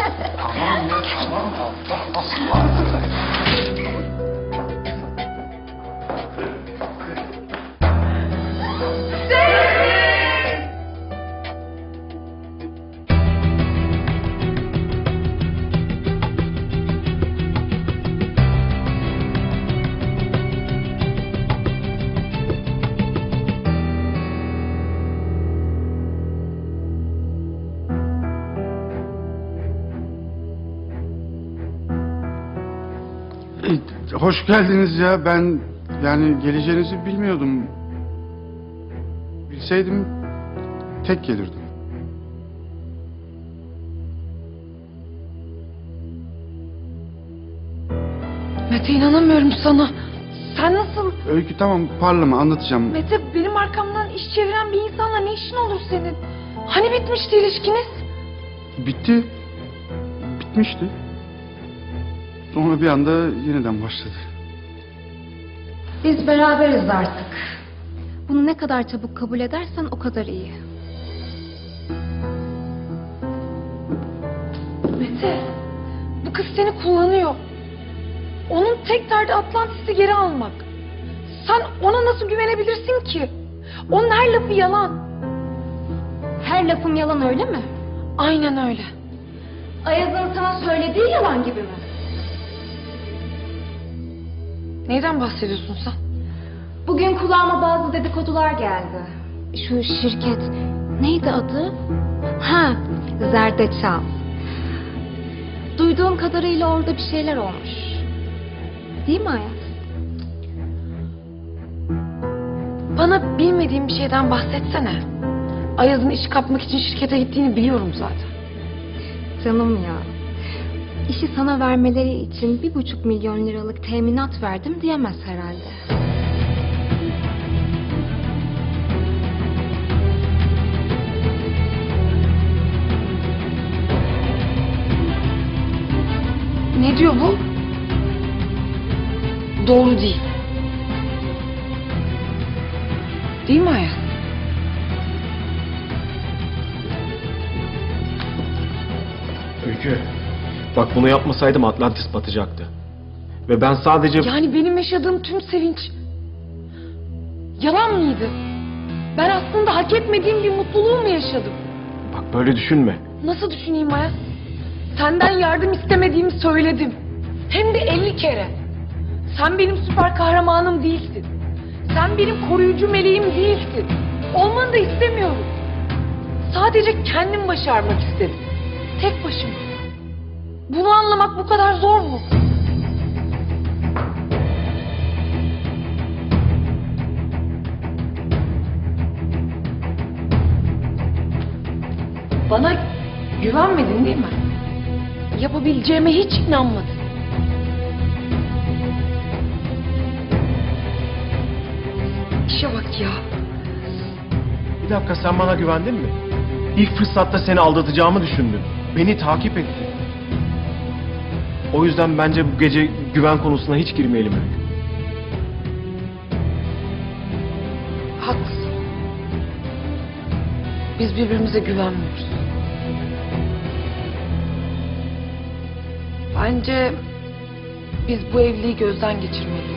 hadi. Tamam ya, tamam. Allah Allah. Hoş geldiniz ya. Ben yani geleceğinizi bilmiyordum. Bilseydim tek gelirdim. Mete, inanamıyorum sana. Sen nasıl? Öykü tamam, parlama, anlatacağım. Mete, benim arkamdan iş çeviren bir insanla ne işin olur senin? Hani bitmişti ilişkiniz? Bitti. Bitmişti. Sonra bir anda yeniden başladı. Biz beraberiz artık. Bunu ne kadar çabuk kabul edersen o kadar iyi. Mete, bu kız seni kullanıyor. Onun tek derdi Atlantis'i geri almak. Sen ona nasıl güvenebilirsin ki? Onun her lafı yalan. Her lafım yalan, öyle mi? Aynen öyle. Ayaz'ın sana söylediği yalan gibi mi? Neyden bahsediyorsun sen? Bugün kulağıma bazı dedikodular geldi. Şu şirket neydi adı? Ha, Zerdeçal. Duyduğum kadarıyla orada bir şeyler olmuş. Değil mi Ayaz? Bana bilmediğim bir şeyden bahsetsene. Ayaz'ın iş kapmak için şirkete gittiğini biliyorum zaten. Canım ya. İşi sana vermeleri için 1,5 milyon liralık teminat verdim diyemez herhalde. Ne diyor bu? Doğru değil. Değil mi Ayaz? Öykü, bak bunu yapmasaydım Atlantis batacaktı. Ve ben sadece... Yani benim yaşadığım tüm sevinç yalan mıydı? Ben aslında hak etmediğim bir mutluluğu mu yaşadım? Bak böyle düşünme. Nasıl düşüneyim Ayaz? Senden yardım istemediğimi söyledim. Hem de 50 kere. Sen benim süper kahramanım değilsin. Sen benim koruyucu meleğim değilsin. Olmanı da istemiyorum. Sadece kendim başarmak istedim. Tek başıma. Bunu anlamak bu kadar zor mu? Bana güvenmedin değil mi? Yapabileceğime hiç inanmadın. İşe bak ya. Bir dakika, sen bana güvendin mi? İlk fırsatta seni aldatacağımı düşündün. Beni takip ettin. O yüzden bence bu gece güven konusuna hiç girmeyelim Öykü. Haklısın. Biz birbirimize güvenmiyoruz. Bence biz bu evliliği gözden geçirmeliyiz.